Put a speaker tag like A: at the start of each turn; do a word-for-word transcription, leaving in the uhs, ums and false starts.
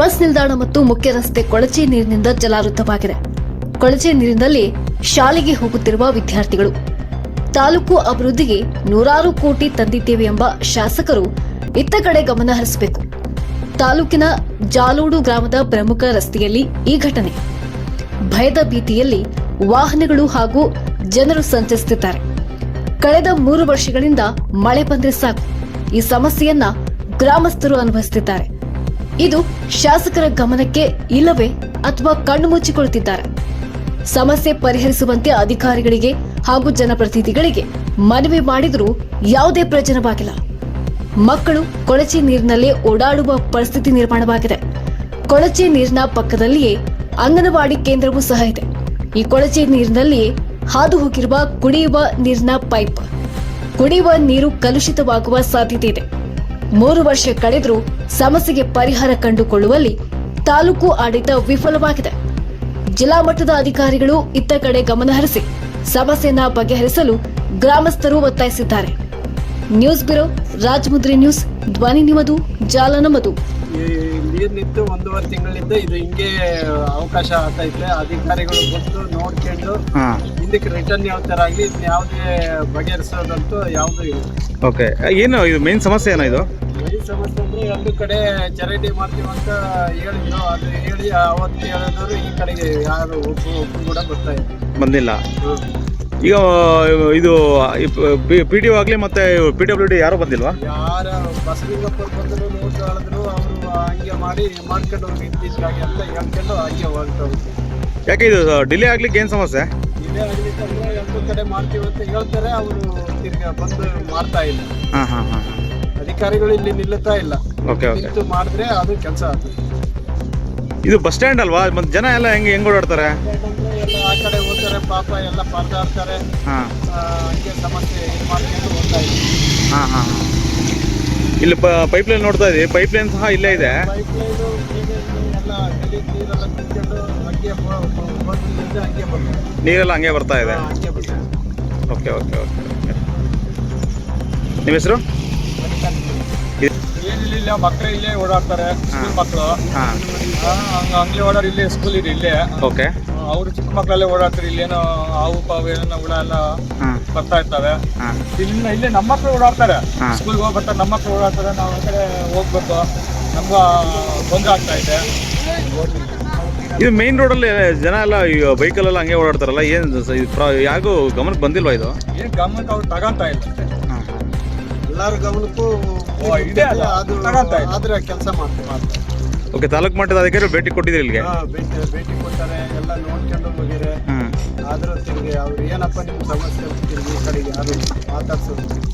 A: Bus ನಿಲ್ದಾಣ ಮತ್ತು ಮುಖ್ಯ ರಸ್ತೆ ಕೊಳಚೆ ನೀರಿನಿಂದ ಜಲಾವೃತವಾಗಿದೆ. ಕೊಳಚೆ ನೀರಿನಲ್ಲಿ ಶಾಲೆಗೆ ಹೋಗುತ್ತಿರುವ ವಿದ್ಯಾರ್ಥಿಗಳು ತಾಲೂಕು ಅಭಿವೃದ್ಧಿಗೆ ನೂರಾರು ಕೋಟಿ ತಂದಿದ್ದೇವೆ ಎಂಬ ಶಾಸಕರು ಇತ್ತ ಕಡೆ ಗಮನ ಹರಿಸಬೇಕು. ತಾಲೂಕಿನ ಜಾಲೋಡು ಗ್ರಾಮದ ಪ್ರಮುಖ ರಸ್ತೆಯಲ್ಲಿ ಈ ಘಟನೆ. ಭಯದ ಭೀತಿಯಲ್ಲಿ ವಾಹನಗಳು ಹಾಗೂ ಜನರು ಸಂಚರಿಸುತ್ತಿದ್ದಾರೆ. ಕಳೆದ ಮೂರು ವರ್ಷಗಳಿಂದ ಮಳೆ ಬಂದ್ರೆ ಸಾಕು, ಈ ಸಮಸ್ಯೆಯನ್ನ ಗ್ರಾಮಸ್ಥರು ಅನುಭವಿಸುತ್ತಿದ್ದಾರೆ. ಇದು ಶಾಸಕರ ಗಮನಕ್ಕೆ ಇಲ್ಲವೇ ಅಥವಾ ಕಣ್ಣು ಮುಚ್ಚಿಕೊಳ್ಳುತ್ತಿದ್ದಾರೆ? ಸಮಸ್ಯೆ ಪರಿಹರಿಸುವಂತೆ ಅಧಿಕಾರಿಗಳಿಗೆ ಹಾಗೂ ಜನಪ್ರತಿನಿಧಿಗಳಿಗೆ ಮನವಿ ಮಾಡಿದರೂ ಯಾವುದೇ ಪ್ರಯೋಜನವಾಗಿಲ್ಲ. ಮಕ್ಕಳು ಕೊಳಚೆ ನೀರಿನಲ್ಲಿ ಓಡಾಡುವ ಪರಿಸ್ಥಿತಿ ನಿರ್ಮಾಣವಾಗಿದೆ. ಕೊಳಚೆ ನೀರಿನ ಪಕ್ಕದಲ್ಲಿಯೇ ಅಂಗನವಾಡಿ ಕೇಂದ್ರವೂ ಸಹ ಇದೆ. ಈ ಕೊಳಚೆ ನೀರಿನಲ್ಲಿಯೇ ಹಾದು ಹೋಗಿರುವ ಕುಡಿಯುವ ನೀರಿನ ಪೈಪ್, ಕುಡಿಯುವ ನೀರು ಕಲುಷಿತವಾಗುವ ಸಾಧ್ಯತೆ ಇದೆ. ಮೂರು ವರ್ಷ ಕಳೆದರೂ ಸಮಸ್ಯೆಗೆ ಪರಿಹಾರ ಕಂಡುಕೊಳ್ಳುವಲ್ಲಿ ತಾಲೂಕು ಆಡಳಿತ ವಿಫಲವಾಗಿದೆ. ಜಿಲ್ಲಾ ಮಟ್ಟದ ಅಧಿಕಾರಿಗಳು ಇತ್ತ ಕಡೆ ಗಮನ ಹರಿಸಿ ಸಮಸ್ಯೆಯನ್ನ ಬಗೆಹರಿಸಲು ಗ್ರಾಮಸ್ಥರು ಒತ್ತಾಯಿಸಿದ್ದಾರೆ. ನ್ಯೂಸ್ ಬ್ಯೂರೋ, ರಾಜಮುದ್ರಿ ನ್ಯೂಸ್, ಧ್ವನಿ ನಿಮ್ಮದು, ಜಾಲ ನಮ್ಮದು.
B: ನೀರು ನಿಂತು ಒಂದೂವರೆ ತಿಂಗಳಿಂದ ಇದು ಹಿಂಗೆ ಅವಕಾಶ ಆಗ್ತೈತೆ. ಅಧಿಕಾರಿಗಳು ಬಂದು ನೋಡ್ಕೊಂಡು ಹಿಂದಕ್ಕೆ ರಿಟರ್ನ್ ಹೇಳ್ತಾರಾಗ್ಲಿ ಯಾವುದೇ ಬಗೆಹರಿಸೋದಂತೂ ಯಾವುದೂ ಇಲ್ಲ.
C: ಓಕೆ, ಏನು ಇದು ಮೇನ್ ಸಮಸ್ಯೆ ಏನೋ? ಇದು
B: ಮೇನ್ ಸಮಸ್ಯೆ ಅಂದ್ರೆ ಒಂದು ಕಡೆ ಚರಂಡಿ ಮಾಡ್ತೀವಿ ಅಂತ ಹೇಳಿದ್ರು. ಅದು ಹೇಳಿ ಅವತ್ತು ಹೇಳಿದವರು ಈ ಕಡೆಗೆ ಯಾರು ಒಬ್ಬರು ಒಬ್ಬರು ಕೂಡ ಬರ್ತಾ ಇಲ್ಲ,
C: ಬಂದಿಲ್ಲ. ಈಗ ಇದು ಪಿ ಡಿ ಒ ಆಗಲಿ ಮತ್ತೆ ಪಿ ಡಬ್ಲ್ಯೂ ಡಿ ಯಾರು ಬಂದಿಲ್ವಾ?
B: ಯಾರ ಬಸಲಿಂಗಪ್ಪರು ಬಂದರು, ನೋಟ್ ಹೇಳಿದ್ರು, ಅವರು ಹಂಗೆ ಮಾಡಿ ಮಾಡ್ಕೊಂಡು ಹೋಗಿ ಇತ್ತೀಚೆಗೆ ಅಂತ ಹೇಳ್ಕೊಂಡು ಹಂಗೆ ಹೊರಟವ್ರು.
C: ಯಾಕೆ ಇದು ಡಿಲೇ ಆಗ್ಲಿಕ್ಕೆ ಏನು ಸಮಸ್ಯೆ?
B: ಡಿಲೇ ಆಗ್ಲಿಕ್ಕಂದ್ರೆ ಒಂದು ಕಡೆ ಮಾಡ್ತೀವಿ ಅಂತ ಹೇಳ್ತಾರೆ, ಅವರು ತಿರ್ಗಿ ಬಂದು ಮಾಡ್ತಾ ಇಲ್ಲ.
C: ಹಾಂ ಹಾಂ ಹಾಂ
B: ಅಧಿಕಾರಿಗಳು ಇಲ್ಲಿ ನಿಲ್ಲುತ್ತಾ ಇಲ್ಲ.
C: ಓಕೆ ಓಕೆ,
B: ನಿಂತು ಮಾಡಿದ್ರೆ ಅದು ಕೆಲಸ ಆಗ್ತದೆ.
C: ಇದು ಬಸ್ ಸ್ಟ್ಯಾಂಡ್ ಅಲ್ವಾ? ಮತ್ತೆ ಜನ ಎಲ್ಲ ಹೆಂಗೆ ಹೆಂಗೆ ಓಡಾಡ್ತಾರೆ?
B: ಎಲ್ಲ ಆ ಕಡೆ ಹೋಗ್ತಾರೆ, ಪಾಪ ಎಲ್ಲ ಪರದಾಡ್ತಾರೆ.
C: ಹಾಂ,
B: ಹಂಗೆ ಸಮಸ್ಯೆ ಇದು ಮಾಡ್ಕೊಂಡು ಹೋಗ್ತಾ ಇದೆ.
C: ಹಾಂ ಹಾಂ ಹಾಂ ಇಲ್ಲಿ ಪೈಪ್ ಲೈನ್ ನೋಡ್ತಾ ಇದ್ದೀವಿ, ಪೈಪ್ ಲೈನ್ ಸಹ ಇಲ್ಲೇ ಇದೆ.
B: ಪೈಪ್ ಲೈನು ಎಲ್ಲ ಗಲೀಜು ನೀರೆಲ್ಲ ಕುತ್ಕೊಂಡು ಹಂಗೆ ಬಂದು ಹಂಗೆ ಬರ್ತದೆ,
C: ನೀರೆಲ್ಲ ಹಂಗೆ ಬರ್ತಾ ಇದೆ.
B: ಹಂಗೆ ಬರ್ತದೆ.
C: Okay okay okay okay. ನಿಮ್ಮ ಹೆಸರು?
B: ಏನಿಲ್ಲ, ಮಕ್ಕಳು ಇಲ್ಲೇ ಓಡಾಡ್ತಾರೆ, ಸ್ಕೂಲ್ ಮಕ್ಕಳು.
C: ಹಾಂ,
B: ಹಂಗೆ ಹಂಗೆ ಓಡಾಡಿ ಇಲ್ಲೇ ಸ್ಕೂಲ್ ಇದೆ ಇಲ್ಲೇ.
C: ಓಕೆ,
B: ಅವರು ಚಿಕ್ಕ ಮಕ್ಕಳಲ್ಲೇ ಓಡಾಡ್ತಾರೆ. ಇಲ್ಲೇನೋ ಹಾವು ಪಾವು ಏನೋ ಹುಳ ಎಲ್ಲ ಬರ್ತಾ ಇರ್ತವೆ. ಇಲ್ಲಿಂದ ಇಲ್ಲೇ ನಮ್ಮ ಮಕ್ಕಳು ಓಡಾಡ್ತಾರೆ, ಸ್ಕೂಲ್ಗೆ ಹೋಗಿ ಬರ್ತಾರೆ, ನಮ್ಮ ಮಕ್ಕಳು ಓಡಾಡ್ತಾರೆ. ನಾವು ಆ ಕಡೆ ಹೋಗ್ಬೇಕು, ನಮ್ಗೆ ತೊಂದರೆ ಆಗ್ತಾ ಇದೆ.
C: ಇದು ಮೇನ್ ರೋಡಲ್ಲಿ ಜನ ಎಲ್ಲ ಬೈಕಲ್ಲೆಲ್ಲ ಹಂಗೆ ಓಡಾಡ್ತಾರಲ್ಲ, ಏನು ಯಾರಿಗೂ ಗಮನಕ್ಕೆ ಬಂದಿಲ್ವಾ ಇದು?
B: ಏನು ಗಮನಕ್ಕೆ ಅವ್ರು ತಗೊಂತ ಇಲ್ಲ. ಎಲ್ಲರ ಗಮನಕ್ಕೂ ಇದೆ, ಅದು ಆದ್ರೆ ಕೆಲಸ ಮಾಡ್ತಾರೆ.
C: ಓಕೆ, ತಾಲೂಕು ಮಟ್ಟದ ಅಧಿಕಾರಿ ಭೇಟಿ ಕೊಟ್ಟಿದ್ದೀರಿ ಇಲ್ಲಿಗೆ?
B: ಭೇಟಿ ಭೇಟಿ ಕೊಡ್ತಾರೆ, ಎಲ್ಲ ನೋಡ್ಕೊಂಡು ಹೋಗಿರೆ. ಆದ್ರೂ ತಿರುಗಿ ಅವ್ರು ಏನಪ್ಪ ನಿಮ್ಮ ಸಮಸ್ಯೆ ತಿರುಗಿ ಈ ಕಡೆಗೆ ಯಾರು ಮಾತಾಡ್ಸೋದು